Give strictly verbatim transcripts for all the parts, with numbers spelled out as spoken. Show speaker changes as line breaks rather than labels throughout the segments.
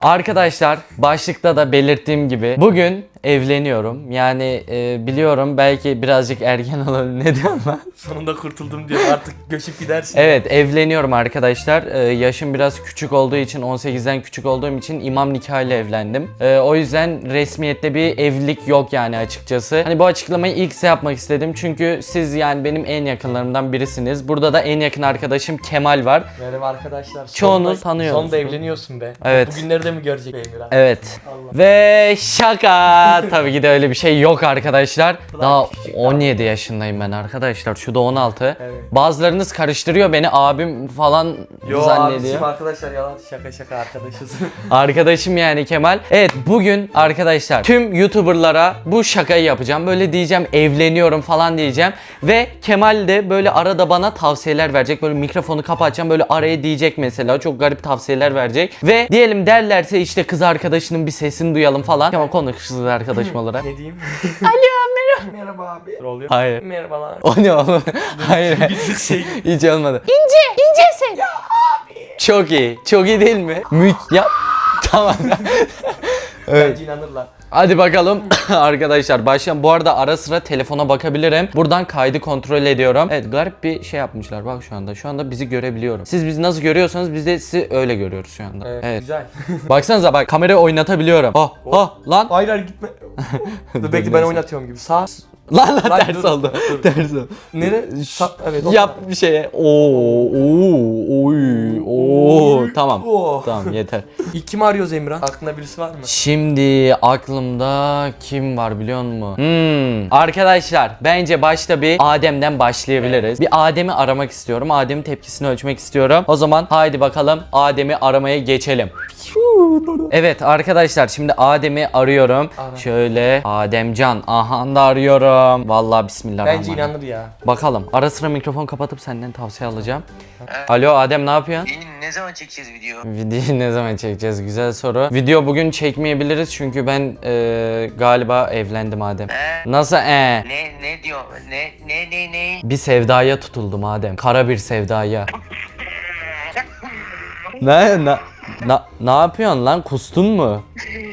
Arkadaşlar başlıkta da belirttiğim gibi bugün evleniyorum. Yani e, biliyorum belki birazcık erken olabilir. Ne diyorum ben?
Sonunda kurtuldum diyor, artık göçüp gidersin.
Evet, evleniyorum arkadaşlar. Ee, yaşım biraz küçük olduğu için, on sekizden küçük olduğum için imam nikahıyla evlendim. Ee, o yüzden resmiyette bir evlilik yok yani açıkçası. Hani bu açıklamayı ilk size yapmak istedim. Çünkü siz yani benim en yakınlarımdan birisiniz. Burada da en yakın arkadaşım Kemal var.
Merhaba arkadaşlar.
Çoğunuz
Sonunda-
tanıyor
Sonunda
musunuz?
evleniyorsun be.
Evet.
Bugünleri de mi görecek Emir abi?
Evet.
Allah.
Ve şaka. Tabii ki de öyle bir şey yok arkadaşlar.
Ulan
Daha
küçük
on yedi yaşındayım ben arkadaşlar. Şu da on altı.
Evet.
Bazılarınız karıştırıyor beni, abim falan
Yo
zannediyor.
abicim, arkadaşlar yalan, şaka şaka arkadaşız.
Arkadaşım yani Kemal. Evet, bugün arkadaşlar tüm YouTuber'lara bu şakayı yapacağım. Böyle diyeceğim, evleniyorum falan diyeceğim. Ve Kemal de böyle arada bana tavsiyeler verecek. Böyle mikrofonu kapatacağım, böyle araya diyecek mesela. Çok garip tavsiyeler verecek. Ve diyelim derlerse işte kız arkadaşının bir sesini duyalım falan. Kemal konuş kız arkadaşım olarak.
Ne diyeyim?
Alo merhaba.
Merhaba abi. Ne oluyor?
Hayır.
Merhabalar.
O ne oğlum? Hayır.
Bir şey.
Hiç olmadı. İnce, incesin. Ya abi. Çok iyi. Çok iyi değil mi? Mük. Ya. Tamam. Evet.
Bence inanırlar.
Hadi bakalım arkadaşlar başlayalım. Bu arada ara sıra telefona bakabilirim. Buradan kaydı kontrol ediyorum. Evet, garip bir şey yapmışlar bak şu anda. Şu anda bizi görebiliyorum. Siz bizi nasıl görüyorsanız biz de sizi öyle görüyoruz şu anda.
Evet,
Evet.
güzel.
Baksanıza bak, kamerayı oynatabiliyorum. Oh oh lan.
Hayır hayır gitme. Dur bekle, ben oynatıyorum gibi. Sağ.
Lan lan
Lan
ters
dur,
oldu.
dur.
Ters oldu.
Nere? Sağ. Evet. o
Yap bir şeye. Oo, oo, oy, oo. Tamam.
Oh.
Tamam yeter.
İlk kim arıyoruz Emirhan? Aklında birisi var mı?
Şimdi aklımda kim var biliyor musun? Hmm. Arkadaşlar bence başta bir Adem'den başlayabiliriz. Bir Adem'i aramak istiyorum. Adem'in tepkisini ölçmek istiyorum. O zaman haydi bakalım Adem'i aramaya geçelim. Evet arkadaşlar, şimdi Adem'i arıyorum.
Ara.
Şöyle Ademcan, aha da arıyorum. Vallahi bismillahirrahmanirrahim.
Bence inanır ya.
Bakalım, ara sıra mikrofon kapatıp senden tavsiye alacağım. Alo Adem, ne yapıyorsun?
İyi, ne zaman çekeceğiz video?
Videoyu ne zaman çekeceğiz? Güzel soru. Video bugün çekmeyebiliriz çünkü ben e, galiba evlendim Adem.
He?
Nasıl e?
Ne ne diyor? Ne ne ne ne?
Bir sevdaya tutuldum Adem. Kara bir sevdaya. ne ne na, ne yapıyorsun lan? Kustun mu?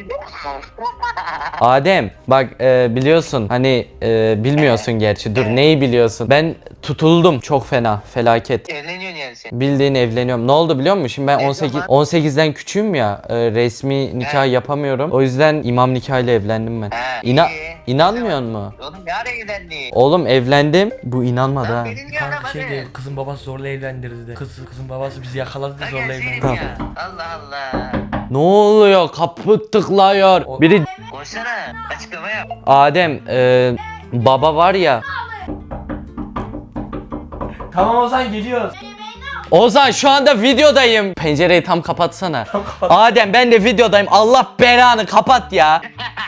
Adem bak e, biliyorsun hani e, bilmiyorsun gerçi, dur neyi biliyorsun? Ben tutuldum çok fena, felaket.
Evleniyorsun yani sen.
Bildiğin evleniyorum. Ne oldu biliyor musun? Şimdi ben
Ne
on sekiz
zaman?
on sekizden küçüğüm ya. e, resmi nikah
He.
yapamıyorum. O yüzden imam nikahıyla evlendim ben.
He,
İna
iyi.
inanmıyor mu?
Oğlum ne ara evlendin?
Oğlum evlendim. Bu inanmadı ha.
Lan beni niye
Kanka
aramadın?
şey diyor, kızın babası zorla evlendirdi de. Kız, kızın babası bizi yakaladı da
Lan
zorla
gelsene
evlendirdi.
ya. Allah Allah.
Ne oluyor? Kapı tıklıyor.
O-
Biri
Konuşsana. Açıklama yap.
Adem e, baba var ya.
Tamam o zaman geliyoruz.
Ozan şu anda videodayım. Pencereyi tam kapatsana. Adem ben de videodayım. Allah belanı kapat ya.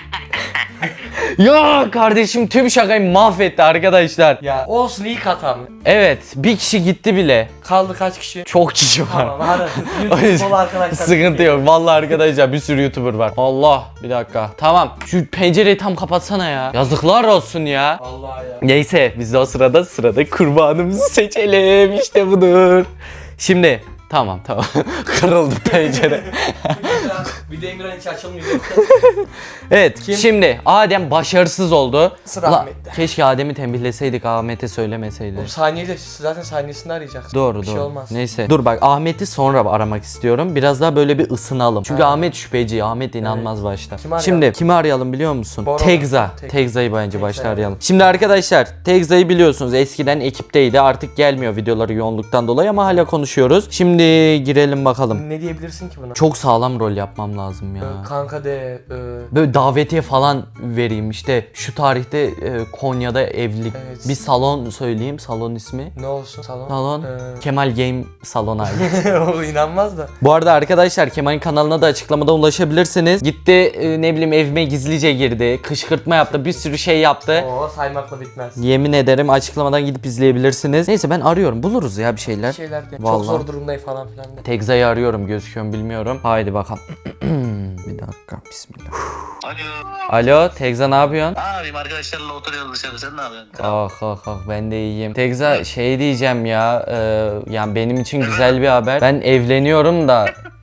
Ya kardeşim tüm şakayı mahvetti arkadaşlar.
Ya olsun, ilk hatam.
Evet, bir kişi gitti bile.
Kaldı kaç kişi?
Çok kişi var.
Tamam hadi.
O
YouTube
yüzden
bol arkadaşlar.
sıkıntı yok. Vallahi arkadaşlar bir sürü YouTuber var. Allah, bir dakika. Tamam. Şu pencereyi tam kapatsana ya. Yazıklar olsun ya.
Vallahi ya.
Neyse biz de o sırada sırada kurbanımızı seçelim. İşte budur. Şimdi tamam tamam. Kırıldı pencere.
Bir de Emirhan hiç açılmıyor.
Evet,
Kim?
şimdi Adem başarısız oldu.
Sıra
Ulan,
Ahmet'te.
keşke Adem'i tembihleseydik, Ahmet'e söylemeseydi.
O saniyeyle zaten saniyesini arayacaksın.
Doğru
bir
doğru.
şey olmaz.
Neyse. Dur bak, Ahmet'i sonra aramak istiyorum. Biraz daha böyle bir ısınalım. Çünkü
Ha.
Ahmet şüpheci. Ahmet inanmaz başta.
Kimi arayalım?
Şimdi kimi arayalım biliyor musun?
Bora.
Tegza.
Tek-
Tegza'yı bence
Tegza
başta
arayalım.
arayalım. Şimdi arkadaşlar Tegza'yı biliyorsunuz. Eskiden ekipteydi. Artık gelmiyor videoları yoğunluktan dolayı ama hala konuşuyoruz. Şimdi girelim bakalım.
Ne diyebilirsin ki buna?
Çok sağlam rol yapmam lazım ya.
Ee, kanka de e,
Böyle davetiye falan vereyim, işte şu tarihte e, Konya'da evlilik.
Evet.
Bir salon söyleyeyim, salon ismi.
ne olsun salon?
Salon
Ee,
Kemal Game Salon abi.
o inanmaz da.
Bu arada arkadaşlar Kemal'in kanalına da açıklamada ulaşabilirsiniz. Gitti e, ne bileyim evime gizlice girdi, kışkırtma yaptı, bir sürü şey yaptı.
Oo saymakla bitmez.
Yemin ederim açıklamadan gidip izleyebilirsiniz. Neyse ben arıyorum, buluruz ya bir şeyler.
Bir şeyler de.
Vallahi.
Çok zor durumdayım falan filan de.
Tegza'yı arıyorum, gözüküyor mu bilmiyorum. Haydi bakalım. Bir dakika, bismillah.
Alo.
Alo Tegza, ne yapıyorsun?
Ne yapayım, arkadaşlarla oturuyoruz dışarı, sen ne yapıyorsun?
Ah ah ah, ben de iyiyim. Tegza şey diyeceğim ya, e, yani benim için güzel bir haber. Ben evleniyorum da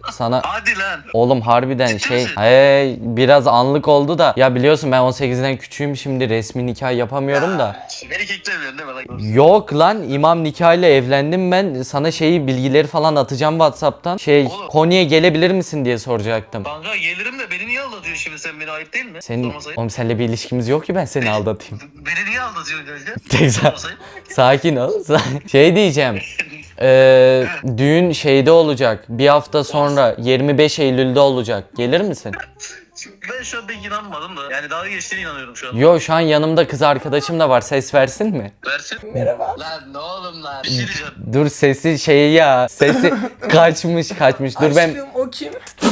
sana
Hadi lan.
oğlum harbiden
Ciddi
şey
misin?
hey, biraz anlık oldu da ya biliyorsun ben on sekizden küçüğüm şimdi resmi nikah yapamıyorum da.
Beni keklemiyorsun değil mi lan?
Yok lan imam nikahıyla evlendim ben sana şeyi bilgileri falan atacağım WhatsApp'tan. Şey
Oğlum.
Konya'ya gelebilir misin diye soracaktım.
Kanka gelirim de beni niye aldatıyorsun şimdi sen, beni ayıp değil mi?
Senin,
Sormasaydı.
oğlum seninle bir ilişkimiz yok ki ben seni aldatayım.
Beni niye aldatıyorsun kanka?
Tekrar.
Sormasaydı.
Sakin ol. sa- Şey diyeceğim. Eee düğün şeyde olacak. Bir hafta sonra yirmi beş Eylül'de olacak. Gelir misin?
Ben şu an pek inanmadım da. Yani dalga geçtiğine inanıyorum şu an.
Yo şu an yanımda kız arkadaşım da var. Ses versin mi?
Versin. Merhaba. Lan ne oğlum lan. Bir şey diyeceğim.
Dur sesi şey ya. Sesi kaçmış kaçmış. Dur ben
Aşkım o kim?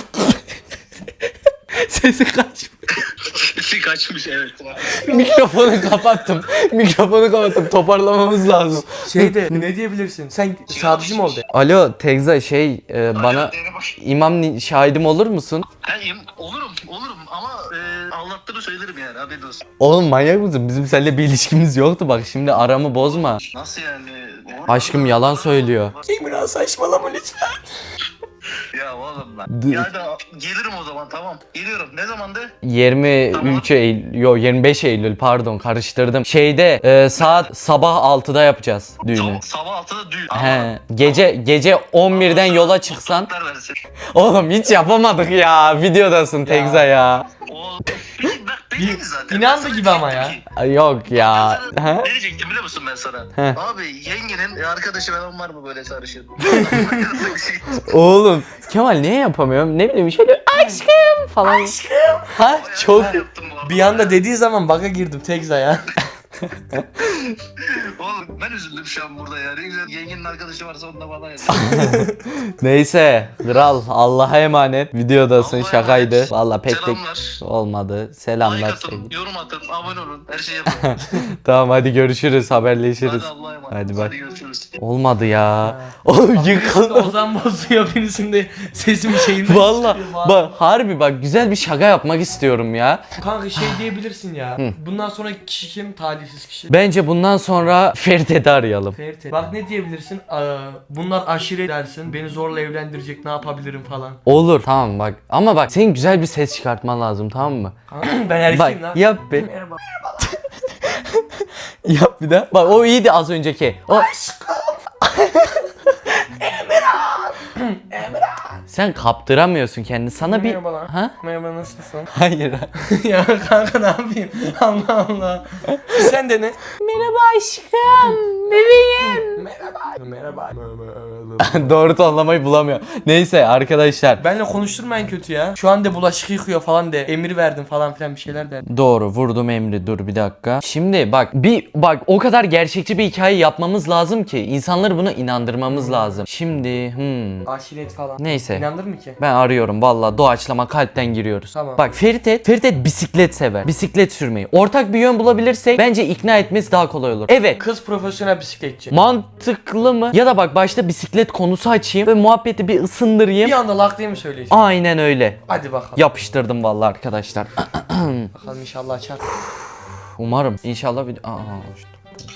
sesi kaçmış.
Sesi kaçmış evet.
Mikrofonu kapattım. Mikrofonu kapattım. Toparlamamız lazım.
Şeyde ne diyebilirsin? Sen sadıcı mı oldu?
Alo Tegza şey e, bana imam ni- şahidim olur musun?
Ben im- olurum olurum ama e, aldattığını söylerim yani haberin olsun.
Oğlum manyak mısın? Bizim seninle bir ilişkimiz yoktu bak şimdi aramı bozma.
Nasıl yani?
Aşkım yalan söylüyor.
Emrah saçmalama lütfen.
Ya oğlum lan.
Dı-
Ya da gelirim o zaman tamam. Geliyorum. Ne zamandı?
yirmi üç Eylül, yo yirmi beş Eylül pardon karıştırdım. Şeyde e, saat sabah altıda yapacağız düğünü.
Sabah, sabah altıda düğün.
He, gece gece on birden yola çıksan.
Kurtlar versin.
Oğlum hiç yapamadık ya. Videodasın Tegza ya.
O Peki, bak belliydi zaten.
İnandı
Ben sana
gibi ama
diyecektim
ya.
ki-
Ay, yok ya.
Ben sana
He?
Ne diyecektim biliyor musun ben sana?
He.
Abi yengenin e, arkadaşı falan var mı böyle sarışın?
Oğlum Kemal niye yapamıyorum? Ne bileyim şöyle aşkım falan. Aşkım. Ha çok.
yaptım bu arada.
Bir anda dediği zaman baka girdim Tekza ya.
Oğlum ben üzüldüm şu an burada ya. Ne güzel yengenin arkadaşı varsa onu da bana yazın.
Neyse kral Allah'a emanet. Videodasın
Allah'a
şakaydı.
emanet.
Valla pek de
Selamlar.
olmadı.
Like
Selamlar
atın,
sevgilim.
yorum atın, abone olun. Her şeyi yapın.
Tamam hadi görüşürüz haberleşiriz.
Hadi Allah'a emanet.
Hadi
Hadi,
bak.
görüşürüz.
Olmadı ya. Oğlum yıkıldı.
Ozan bozuyor birisinde sesimi şeyinden
Valla
çıkıyor.
bak harbi bak güzel bir şaka yapmak istiyorum ya.
Kanka şey diyebilirsin ya. Bundan sonra kişi kim? Talihsiz kişi.
Bence bundan sonra Ferit'i arayalım.
Ferit. Bak ne diyebilirsin? Aa, bunlar aşire dersin. Beni zorla evlendirecek ne yapabilirim falan.
Olur. Tamam bak ama bak senin güzel bir ses çıkartman lazım tamam mı?
Kanka ben erkeğim lan.
Bak yap be.
Merhaba.
Yap bir daha. Bak o iyiydi az önceki. O... Sen kaptıramıyorsun kendini. Sana bir...
Merhaba lan.
Ha?
Merhaba nasılsın?
Hayır.
Ya kanka ne yapayım? Allah Allah. Sen de ne?
Merhaba aşkım. Bebeğim.
Merhaba. Merhaba.
Doğru tonlamayı bulamıyor. Neyse arkadaşlar.
Benle konuşturma en kötü ya. Şu anda bulaşık yıkıyor falan de. Emir verdim falan filan bir şeyler de.
Doğru vurdum emri dur bir dakika. Şimdi bak bir bak o kadar gerçekçi bir hikaye yapmamız lazım ki insanları buna inandırmamız lazım. Şimdi hmm.
Aşiret falan.
Neyse.
İnandır mı ki?
Ben arıyorum valla doğaçlama kalpten giriyoruz.
Tamam.
Bak Ferit Ferit bisiklet sever. Bisiklet sürmeyi. Ortak bir yön bulabilirsek bence ikna etmesi daha kolay olur. Evet.
Kız profesyonel bisikletçi.
Mantıklı mı? Ya da bak başta bisiklet konusu açayım ve muhabbeti bir ısındırayım.
Bir anda lak diye mi söyleyeceğim?
Aynen öyle.
Hadi bakalım.
Yapıştırdım vallahi arkadaşlar.
Bakalım inşallah açar.
Umarım. İnşallah bir... Aa, işte.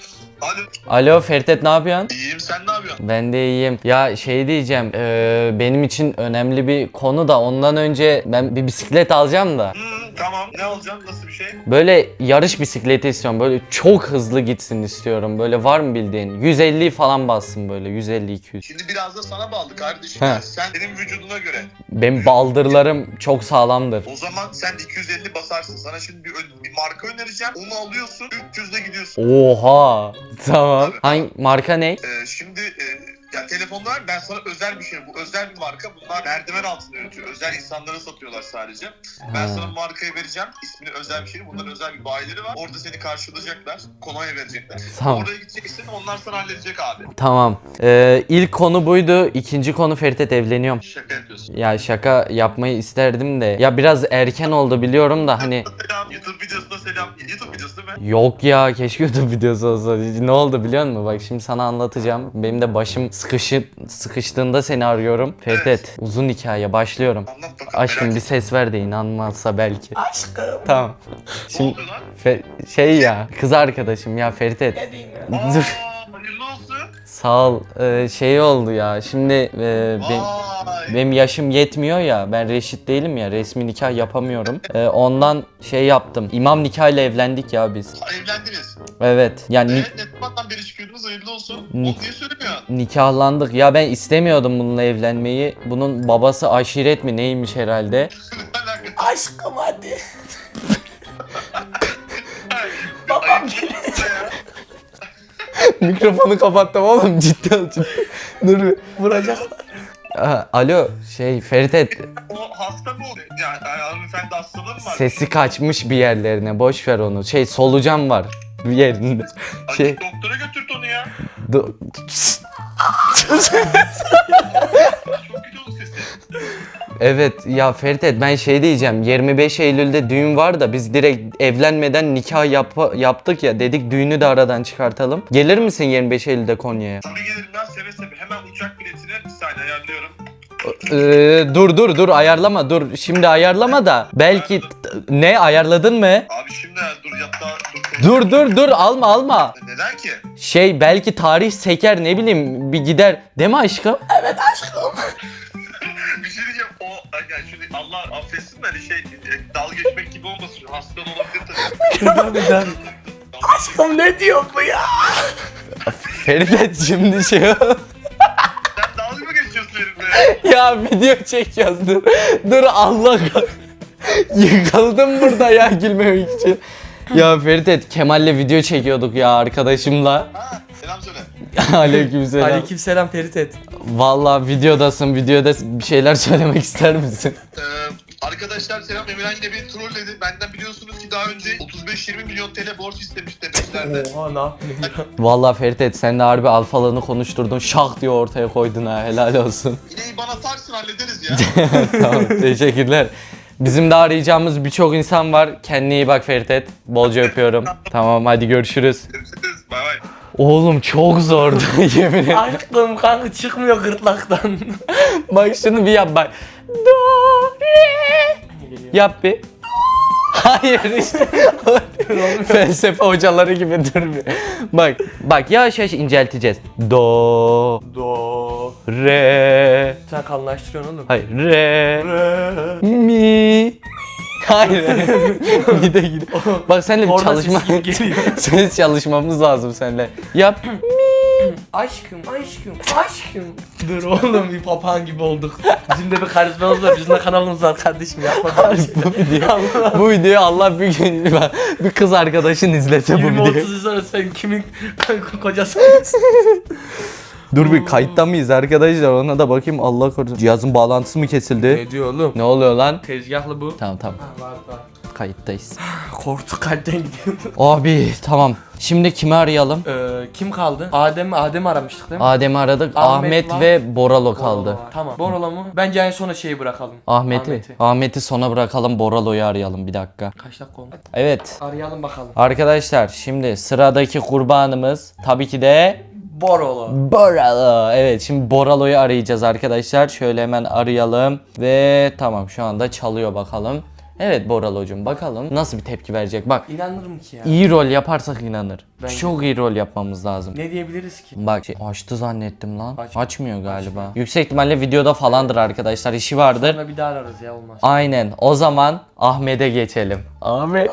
Alo.
Alo Ferdet ne yapıyorsun?
İyiyim sen ne yapıyorsun?
Ben de iyiyim. Ya şey diyeceğim. eee, benim için önemli bir konu da ondan önce ben bir bisiklet alacağım da.
Hmm, tamam. Ne alacaksın? Nasıl bir şey?
Böyle yarış bisikleti istiyorum. Böyle çok hızlı gitsin istiyorum. Böyle var mı bildiğin? yüz elli falan bassın böyle. yüz elli iki yüz.
Şimdi biraz da sana bağlı kardeşim.
He.
Yani sen senin vücuduna göre.
Benim baldırlarım çok sağlamdır.
O zaman sen iki yüz elli basarsın. Sana şimdi bir, ön- bir marka önereceğim. Onu alıyorsun. üç yüzde gidiyorsun.
Oha. Tamam. Hangi marka ne?
Ee, şimdi e, ya telefonlar ben sana özel bir şey. Bu özel bir marka. Bunlar merdiven altında üretiyor. Özel insanlara satıyorlar sadece. Ben
Ha.
sana bu markayı vereceğim. İsmini özel bir şey. Bunların özel bir bayileri var. Orada seni karşılayacaklar. Kolonya verecekler.
Tamam.
Oraya gideceksin. Onlar sana halledecek abi.
Tamam. Ee, ilk konu buydu. İkinci konu Ferit evleniyorum.
Şaka yapıyorsun.
Ya şaka yapmayı isterdim de. Ya biraz erken oldu biliyorum da hani.
Selam. YouTube videosuna selam. YouTube videosu değil mi?
Yok ya keşke YouTube videosu olsa. Ne oldu biliyor musun? Bak şimdi sana anlatacağım. Benim de başım sıkışı, sıkıştığında seni arıyorum. Ferdet uzun hikaye başlıyorum.
Anlat bakalım.
Aşkım
merak
bir ses ver de inanmazsa belki.
Aşkım.
Tamam.
Ne
Şimdi
oluyor lan?
Fe- şey ya kız arkadaşım ya Ferdet.
Ne diyeyim ya?
Aa,
Dur.
hayırlı olsun.
Sağ ol. Ee, şey oldu ya. Şimdi e, ben-
Vay.
benim yaşım yetmiyor ya. Ben reşit değilim ya. Resmi nikah yapamıyorum. Ee, ondan şey yaptım. İmam nikahıyla evlendik ya biz.
Evlendiniz.
Evet. Yani ni-
Evet, ne zamandan beri çıkıyordunuz, hayırlı olsun. Onu
Ni-
niye söylemiyorsun?
nikahlandık. Ya ben istemiyordum bununla evlenmeyi. Bunun babası aşiret mi neymiş herhalde.
Ne alakası?
Aşkım hadi.
Babam geliyor.
Mikrofonu kapattım oğlum, ciddi ol ciddi. Dur bir.
Vuracak.
Aha, alo şey Ferit,
O hasta mı oluyor? Yani hanımefendi hastalığı mı var?
sesi kaçmış bir yerlerine, boş ver onu. Şey solucan var bir yerinde.
Ay,
Şey
doktora götürt onu ya.
do-
Çok kötü oldu sesi.
Evet ya Ferit, ben şey diyeceğim, yirmi beş Eylül'de düğün var da biz direkt evlenmeden nikah yap- yaptık ya, dedik düğünü de aradan çıkartalım. Gelir misin yirmi beş Eylül'de Konya'ya?
Tabii gelirim ben seve seve. Hemen uçak biletini bir saniye ayarlıyorum.
Ee, dur dur dur ayarlama, dur şimdi ayarlama da belki ne ayarladın mı?
Abi şimdi dur yatta dur.
Dur dur dur alma alma.
Neden ki?
Şey belki tarih seker, ne bileyim bir gider değil mi aşkım?
Bir şey diyeceğim. O yani şimdi Allah affetsin de hani şey dalga geçmek gibi olmasın. Hastan olabilir tabii.
Tabii ben. Aşkım ne diyor bu ya?
Ferit şimdi şey
Sen dalga mı geçiyorsun benimle?
ya video çekiyoruz, dur. Dur Allah kah- yıkıldım burada ya gülmemek için. Ya Ferit, Kemal'le video çekiyorduk ya arkadaşımla.
Ha, selam söyle.
Aleykümselam.
Aleykümselam Ferit et.
Vallahi videodasın, videoda bir şeyler söylemek ister misin?
Ee, arkadaşlar selam. Emirhan yine beni trolledi. Benden biliyorsunuz ki daha önce otuz beş yirmi milyon T L borç istemişti Tepeşler'de.
Oha ne yaptın ya?
Vallahi Ferit, sen de harbi alfalarını konuşturdun, şak diye ortaya koydun ha, helal olsun.
Yine bana atarsın hallederiz ya.
Tamam, teşekkürler. Bizim de arayacağımız birçok insan var. Kendine iyi bak Ferit. Bolca öpüyorum. Tamam hadi görüşürüz.
Görüşürüz. Bay bay.
Oğlum çok zordu yemin ederim.
Aşkım kanka çıkmıyor gırtlaktan.
Bak şunu bir yap bak. Do, re. Yap bir. Hayır işte. Felsefe hocaları gibi dur bir. Bak bak yavaş yavaş incelteceğiz. Do,
Do.
re.
Sen kalınlaştırıyorsun oğlum.
Hayır re. Mi. Hayır. Gide gide. Bak seninle bir
Orada
çalışma.
ses geliyor.
Ses çalışmamız lazım seninle. Yap.
Aşkım, aşkım, aşkım. Dur oğlum bir papağan gibi olduk. Bizim de bir karizmamız var, bizim de kanalımız var kardeşim yapma.
bu video, bu videoyu Allah bir gün bir kız arkadaşın izlese bu
yirmi
videoyu.
otuz yıl sonra sen kimin kocası?
Dur bir kayıtta mıyız arkadaşlar, ona da bakayım, Allah korusun. Cihazın bağlantısı mı kesildi?
Ne diyor oğlum?
Ne oluyor lan?
Tezgahlı bu.
Tamam tamam,
Ha, var var.
kayıttayız.
Korktu kalpten gidiyordu.
Abi tamam, şimdi kimi arayalım?
Ee, kim kaldı? Adem, Adem aramıştık değil mi?
Adem'i aradık,
Ahmet
Ahmet,
var.
ve Boralo kaldı.
Boralo var. Tamam. Boralo mu? Bence en sona şeyi bırakalım.
Ahmet'i. Ahmet'i sona bırakalım, Boralo'yu arayalım bir dakika.
Kaç dakika oldu?
Evet.
Arayalım bakalım.
Arkadaşlar şimdi sıradaki kurbanımız tabii ki de
Boralo.
Boralo. Evet, şimdi Boralo'yu arayacağız arkadaşlar. Şöyle hemen arayalım ve tamam, şu anda çalıyor bakalım. Evet Boralo'cum, bakalım nasıl bir tepki verecek. Bak,
İnanırım ki ya.
iyi rol yaparsak inanır.
Bence
Çok iyi rol yapmamız lazım.
Ne diyebiliriz ki?
Bak şey, açtı zannettim lan.
Aç-
Açmıyor galiba.
Açmıyor.
Yüksek ihtimalle videoda falandır arkadaşlar. İşi vardır.
Sonra bir daha ararız ya olmaz.
Aynen. O zaman Ahmet'e geçelim. Ahmet.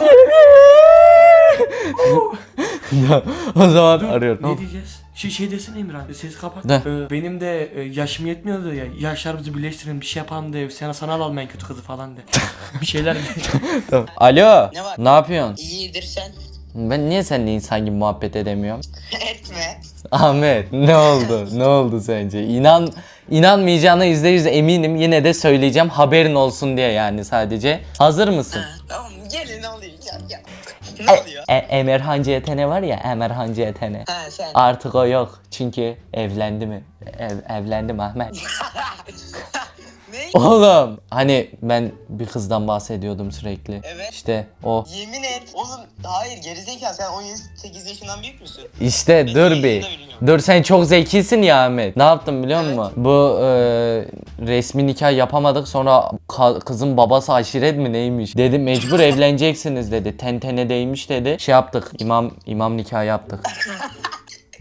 Ya, o zaman arıyorum.
Ne diyeceğiz? Şey, şey desene İmran, sesi kapat.
Ne?
Ee, benim de e, yaşım yetmiyordu ya, yaşlarımızı birleştirelim, bir şey yapalım de, sana sana alalım en kötü kızı falan de. Bir şeyler de.
Tamam. Alo.
Ne var?
Ne yapıyorsun?
İyidir sen.
Ben niye seninle insan gibi muhabbet edemiyorum?
Etme.
Ahmet, ne oldu? Ne oldu sence? İnan inanmayacağına yüzde yüz eminim. Yine de söyleyeceğim, haberin olsun diye yani sadece. Hazır mısın?
Ha, tamam gelin alayım ya. ya. Ne oluyor?
E, Emirhan C T N var ya, Emirhan C T N.
Ha sen.
Artık o yok. Çünkü evlendi mi? Ev, evlendim Ahmet.
Ne?
Oğlum hani ben bir kızdan bahsediyordum sürekli.
Evet.
İşte o.
Yemin et. Oğlum hayır gerizekalı sen on sekiz yaşından büyük müsün?
İşte
Ben
dur
sekiz
bir.
yaşında bilmiyorum.
Dur, sen çok zekisin ya Ahmet. Ne yaptım biliyor
Evet.
musun? Bu e, resmi nikah yapamadık. Sonra ka- kızın babası aşiret mi neymiş? Dedi mecbur evleneceksiniz dedi. Tentene değmiş dedi. Şey yaptık. İmam imam nikahı yaptık.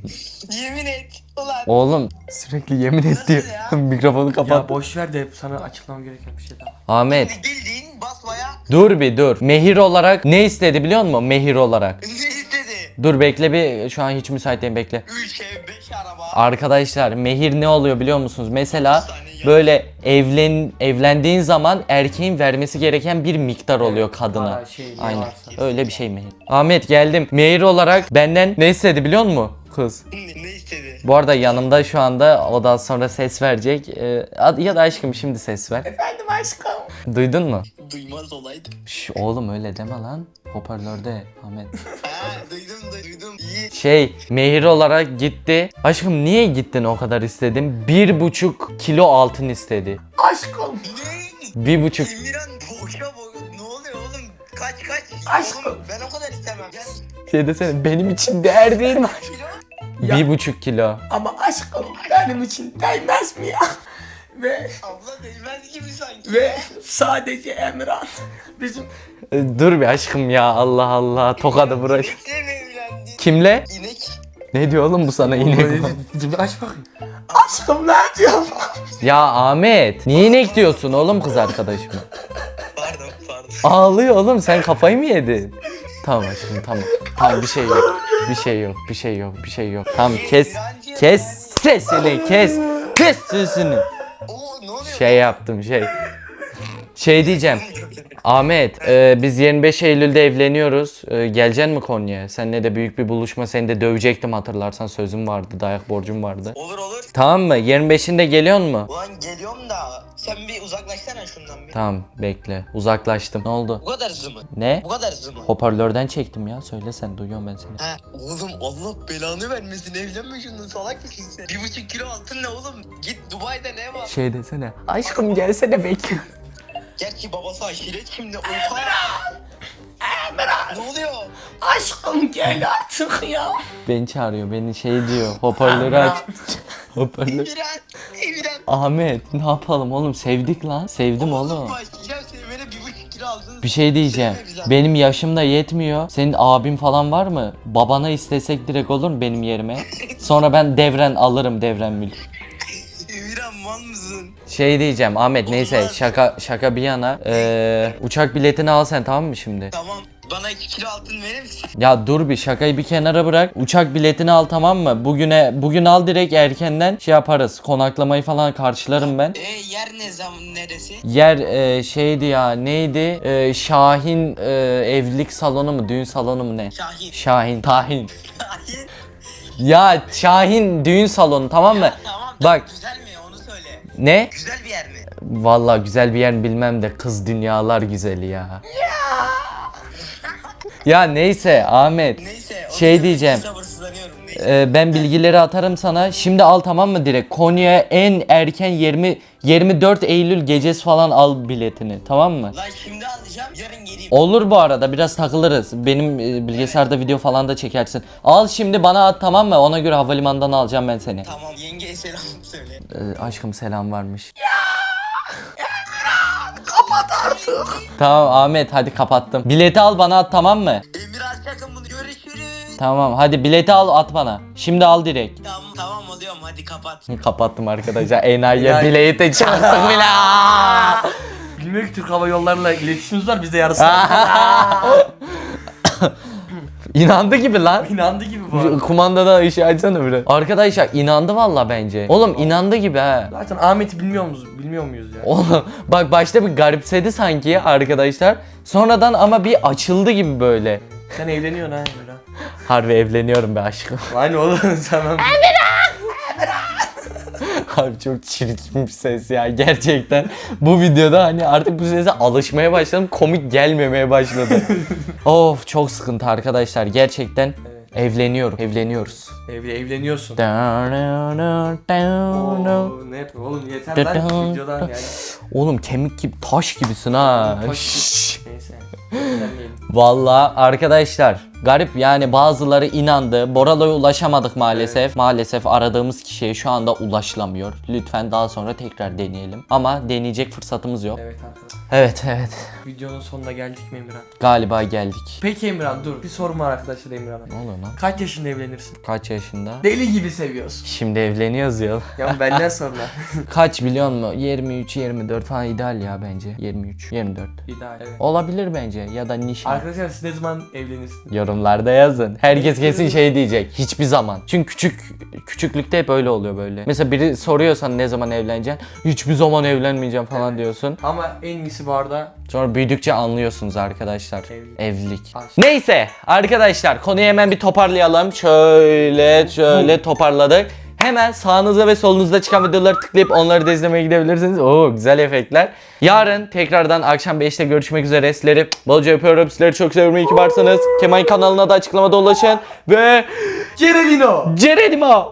Yemin et. Ulan.
Oğlum sürekli yemin et diyor.
ya?
Mikrofonu
Ya
kapat.
boş ver de sana açıklamam gereken bir şey daha.
Ahmet
Bildiğin basmaya
dur bir dur. Mehir olarak ne istedi biliyor musun? Mehir olarak.
ne istedi?
Dur bekle bir, şu an hiç müsait değilim, bekle.
üç ev beş araba.
Arkadaşlar mehir ne oluyor biliyor musunuz? Mesela
Bir saniye ya.
böyle evlen evlendiğin zaman erkeğin vermesi gereken bir miktar oluyor kadına.
Para, şey, ne
Aynen.
varsa.
Öyle bir şey mehir. Ahmet geldim. Mehir olarak benden ne istedi biliyor musun kız?
Ne, ne istedi?
Bu arada yanımda şu anda, o daha sonra ses verecek. Ee, ad- ya da aşkım şimdi ses ver.
Efendim aşkım.
Duydun mu?
Duymaz olaydım.
Şş, oğlum öyle deme lan. Hoparlörde Ahmet.
Ha duydum duydum. İyi.
Şey, mehir olarak gitti. Aşkım niye gittin o kadar istedim? Bir buçuk kilo altın istedi.
Aşkım. Ne?
Bir buçuk.
Emirhan boşa boşa. Ne oluyor oğlum? Kaç kaç.
Aşkım.
Oğlum, ben o kadar istemem. Gel.
Şey desene, benim için değer değil mi?
Kilo.
Ya.
Bir buçuk kilo.
Ama aşkım benim için değmez mi ya? Ve
Abla değmez gibi sanki.
ve sadece Emirhan bizim
Ee, Dur bir aşkım ya, Allah Allah, tokadı bırak.
İnekle mi evlendi?
Kimle?
İnek.
Ne diyor oğlum bu sana inek?
bir aç bakayım. Aşkım ne diyorsun?
Ya Ahmet, niye inek diyorsun oğlum kız arkadaşıma?
Pardon pardon.
Ağlıyor oğlum, sen kafayı mı yedin? Tamam aşkım, tamam. Tamam, bir şey yok. Bir şey yok, bir şey yok, bir şey yok. Tamam, kes. Kes sesini, kes. Kes sesini.
Oo ne oluyor?
Şey yaptım, şey. Şey diyeceğim. Ahmet, e, biz yirmi beş Eylül'de evleniyoruz. E, geleceksin mi Konya'ya? Seninle de büyük bir buluşma, seni de dövecektim hatırlarsan, sözüm vardı, dayak borcum vardı.
Olur olur.
Tamam mı? yirmi beşinde geliyor mu?
Ulan geliyorum da sen bir uzaklaşsana şundan bir.
Tamam, bekle. Uzaklaştım. Ne oldu?
Bu kadar hızlı mı?
Ne?
Bu kadar hızlı mı?
Hoparlörden çektim ya. Söyle sen, duyuyorum ben seni.
Ha, oğlum Allah belanı vermesin, evlenme şundan, salak mısın sen? Bir buçuk kilo altın ne oğlum? Git Dubai'de ne var?
Şey desene. Aşkım gelsene, bekliyorum.
Gerçi babası aşiret şimdi. Oha! Ne oluyor?
Aşkım gel artık ya.
Beni çağırıyor, beni şey diyor. Hoparlörü aç. Hoparlör.
Emirhan! Emirhan!
Ahmet, ne yapalım oğlum? Sevdik lan. Sevdim oğlum.
Başlayacağım sevmene, bir buçuk kilo aldın.
Bir şey diyeceğim.
Sevme güzel.
Benim yaşım da yetmiyor. Senin abin falan var mı? Babana istesek direkt olur mu benim yerime? Sonra ben devren alırım, devren mülk.
Emirhan mal mısın?
Şey diyeceğim Ahmet, neyse
Olmaz.
şaka şaka bir yana. Ee, uçak biletini al sen, tamam mı şimdi?
Tamam. Bana iki kilo altın verir misin?
Ya dur bir, şakayı bir kenara bırak. Uçak biletini al, tamam mı? Bugüne bugün al, direkt erkenden şey yaparız. Konaklamayı falan karşılarım ben.
E yer ne zaman neresi?
Yer e, şeydi ya, neydi? E, Şahin e, evlilik salonu mu, düğün salonu mu ne?
Şahin.
Şahin, Tahin.
Şahin.
Ya Şahin düğün salonu, tamam mı?
Tamam.
Bak.
Güzel mi onu söyle.
Ne?
Güzel bir yer mi?
Vallahi güzel bir yer bilmem de, kız dünyalar güzeli ya. Ya neyse Ahmet.
Neyse. onu
Şey
söylemek
diyeceğim.
için Sabırsızlanıyorum. Neyse.
e, ben bilgileri atarım sana. Şimdi al, tamam mı, direkt? Konya'ya en erken yirmi yirmi dört Eylül gecesi falan al biletini, tamam mı?
Lan şimdi alacağım, yarın geleyim.
Olur, bu arada biraz takılırız. Benim e, bilgisayarda video falan da çekersin. Al şimdi, bana at, tamam mı? Ona göre havalimanından alacağım ben seni.
Tamam, yengeye selam söyle.
Ee, aşkım selam varmış. Tamam Ahmet, hadi kapattım. Bileti al, bana at, tamam mı?
Emirhan sakın bunu, görüşürüz.
Tamam, hadi bileti al, at bana. Şimdi al direkt.
Tamam tamam alıyorum, hadi kapat.
Kapattım arkadaşlar. Enayi'ye
Enayi.
bileti çaktık bile.
Bilmiyorum ki Türk Hava Yolları'yla iletişimimiz var, biz de yarısını.
İnandı gibi lan.
İnandı gibi bu arada.
Kumandadan ışığı açsana biraz. Arkadaşlar inandı valla bence. Oğlum inandı gibi ha.
Zaten Ahmet'i bilmiyor muyuz? Bilmiyor muyuz ya?
Oğlum bak, başta bir garipsedi sanki arkadaşlar. Sonradan ama bir açıldı gibi böyle.
Sen evleniyorsun ha Emirhan.
Harbi evleniyorum be aşkım.
Aynı oğlum tamam.
Abi çok çirkin bir ses ya gerçekten. Bu videoda hani artık bu sese alışmaya başladım. Komik gelmemeye başladı. Of, çok sıkıntı arkadaşlar gerçekten. Evleniyorum. Evleniyoruz.
Evli evleniyorsun. Oo, ne yapıyor oğlum, yeter lan videodan yani.
Oğlum kemik gibi, taş gibisin ha.
Taş gibi.
Şşş.
Neyse. Evlenmeyelim.
Vallahi arkadaşlar Garip yani, bazıları inandı. Boralo'ya ulaşamadık maalesef. Maalesef aradığımız kişiye şu anda ulaşılamıyor. Lütfen daha sonra tekrar deneyelim. Ama deneyecek fırsatımız yok.
Evet arkadaşlar.
Evet evet.
Videonun sonuna geldik mi Emirhan?
Galiba geldik.
Peki Emirhan dur. Bir sorum var arkadaşlar Emirhan'a.
Ne oluyor lan?
Kaç yaşında evlenirsin?
Kaç yaşında?
Deli gibi seviyorsun.
Şimdi evleniyoruz ya.
Ya benden sonra.
Kaç biliyor musun? yirmi üç yirmi dört falan ideal ya bence. yirmi üç yirmi dört.
İdeal. Evet.
Olabilir bence, ya da nişan.
Arkadaşlar siz ne zaman evlenirsiniz?
Yorumlarda yazın. Herkes kesin şey diyecek. Hiçbir zaman. Çünkü küçük küçüklükte hep öyle oluyor böyle. Mesela biri soruyorsan ne zaman evleneceksin? Hiçbir zaman evlenmeyeceğim falan
Evet.
diyorsun.
Ama en iyisi bu arada
Sonra büyüdükçe anlıyorsunuz arkadaşlar.
Evlilik.
Evlilik.
Aşk.
Neyse arkadaşlar, konuyu hemen bir toparlayalım. Şöyle şöyle toparladık. Hemen sağınızda ve solunuzda çıkan videoları tıklayıp onları da izlemeye gidebilirsiniz. Oo güzel efektler. Yarın tekrardan akşam beşte görüşmek üzere. Sizleri bolca öpüyorum. Sizleri çok seviyorum. İyi ki varsınız. Kemal kanalına da açıklamada ulaşın. Ve
Cerelino.
Cerenimo.